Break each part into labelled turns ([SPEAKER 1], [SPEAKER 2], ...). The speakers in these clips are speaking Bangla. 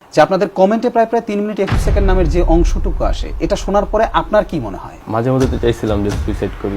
[SPEAKER 1] যে আপনাদের কমেন্টে প্রায় 3 মিনিট 21 সেকেন্ড নামের যে অংশটুকু আসে, এটা শোনার পরে আপনার কি মনে হয়?
[SPEAKER 2] মাঝে মধ্যে তো চাইছিলাম যে সুইসাইড করি,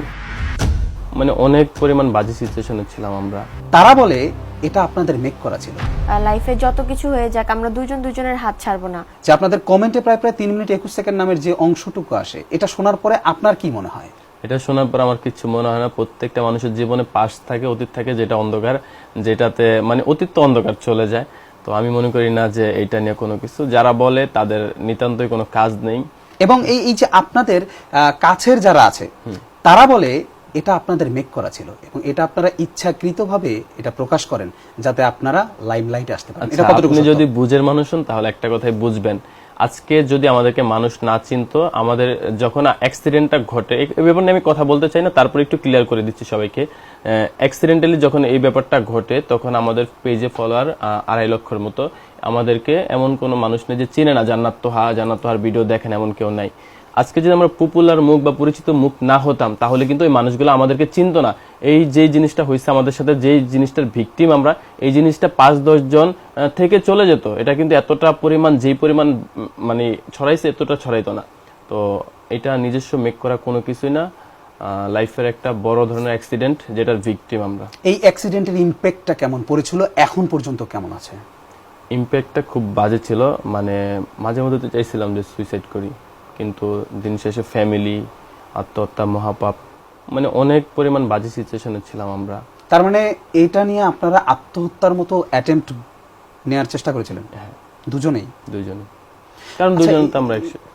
[SPEAKER 2] মানে অনেক পরিমাণ বাজে সিচুয়েশনে ছিলাম আমরা।
[SPEAKER 1] তারা বলে এটা আপনাদের মেক করা ছিল।
[SPEAKER 3] লাইফে যত কিছু হয়ে যাক আমরা দুইজন দুইজনের হাত ছাড়বো না।
[SPEAKER 1] যে আপনাদের কমেন্টে প্রায় 3 মিনিট 21 সেকেন্ড নামের যে অংশটুকু আসে, এটা শোনার পরে আপনার কি মনে হয়?
[SPEAKER 2] এটা শোনার পর আমার কিছু মনে হয় না। প্রত্যেকটা মানুষের জীবনে পাস থাকে, অতীত থাকে, যেটা অন্ধকার, যেটাতে মানে অতীত তো অন্ধকার চলে যায়। তো আমি মনে করি না যে এইটা নিয়ে কোনো কিছু, যারা বলে তাদের নিতান্তই কোনো কাজ নেই।
[SPEAKER 1] এবং এই যে আপনাদের কাছের যারা আছে তারা বলে এটা আপনাদের মেক করা ছিল এবং এটা আপনারা ইচ্ছাকৃতভাবে এটা প্রকাশ করেন যাতে আপনারা লাইমলাইটে আসতে পারেন। এটা কতটুকু
[SPEAKER 2] আপনি
[SPEAKER 1] সত্য?
[SPEAKER 2] যদি বুঝের মানুষ হন তাহলে একটা কথাই বুঝবেন, আজকে যদি আমাদেরকে মানুষ না চিনতো, আমাদের যখন অ্যাক্সিডেন্টটা ঘটে, এই ব্যাপার নিয়ে আমি কথা বলতে চাই না, তারপর একটু ক্লিয়ার করে দিচ্ছি সবাইকে। অ্যাক্সিডেন্টালি যখন এই ব্যাপারটা ঘটে তখন আমাদের পেজে ফলোয়ার 2.5 লক্ষের মতো। আমাদেরকে এমন কোনো মানুষ নেই যে চিনে না, জান্নাত তোহার ভিডিও দেখেন, এমন কেউ নাই। আজকে যদি আমরা পপুলার মুখ বা পরিচিত মুখ না হতাম তাহলে কিন্তু এই মানুষগুলো আমাদেরকে চিনতো না। এই যে জিনিসটা হয়েছে আমাদের সাথে, যে জিনিসটার ভিকটিম আমরা, এই জিনিসটা 5-10 জন থেকে চলে যেত। এটা কিন্তু এতটা পরিমাণ, যেই পরিমাণ মানে ছড়াইছে, এতটা ছড়াইতো না। তো এটা নিজস্ব মেক করা কোনো কিছুই না, লাইফের একটা বড় ধরনের অ্যাক্সিডেন্ট যেটার ভিকটিম আমরা।
[SPEAKER 1] এই অ্যাক্সিডেন্টের ইমপ্যাক্টটা কেমন পড়েছিল, এখন পর্যন্ত কেমন আছে?
[SPEAKER 2] ইমপ্যাক্টটা খুব বাজে ছিল, মানে মাঝে মধ্যে তো চাইছিলাম যে সুইসাইড করি, কিন্তু দিন শেষে ফ্যামিলি, আত্মহত্যা, মহাপাপ, মানে অনেক পরিমাণ বাজে সিচুয়েশনে ছিলাম আমরা।
[SPEAKER 1] তার মানে এটা নিয়ে আপনারা আত্মহত্যার মতো অ্যাটেম্পট নেয়ার চেষ্টা করেছিলেন?
[SPEAKER 2] হ্যাঁ,
[SPEAKER 1] দুজনেই?
[SPEAKER 2] দুইজনে, কারণ দুজন তো আমরা একসাথে।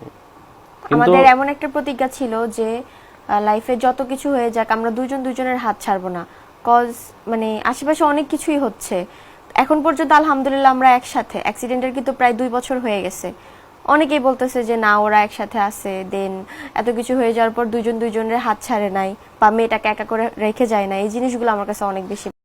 [SPEAKER 3] আমাদের এমন একটা প্রতিজ্ঞা ছিল যে লাইফে যত কিছু হয়ে যাক আমরা দুইজন দুইজনের হাত ছাড়বো না। কজ মানে আশেপাশে অনেক কিছুই হচ্ছে, এখন পর্যন্ত আলহামদুলিল্লাহ আমরা একসাথে। অ্যাক্সিডেন্টের কিন্তু প্রায় 2 বছর হয়ে গেছে। অনেকেই বলতেছে যে না, ওরা একসাথে আছে, দেন এত কিছু হয়ে যাওয়ার পর দুইজন দুইজনের হাত ছাড়ে নাই বা মেয়েটাকে একা করে রেখে যায় না। এই জিনিসগুলো আমার কাছে অনেক বেশি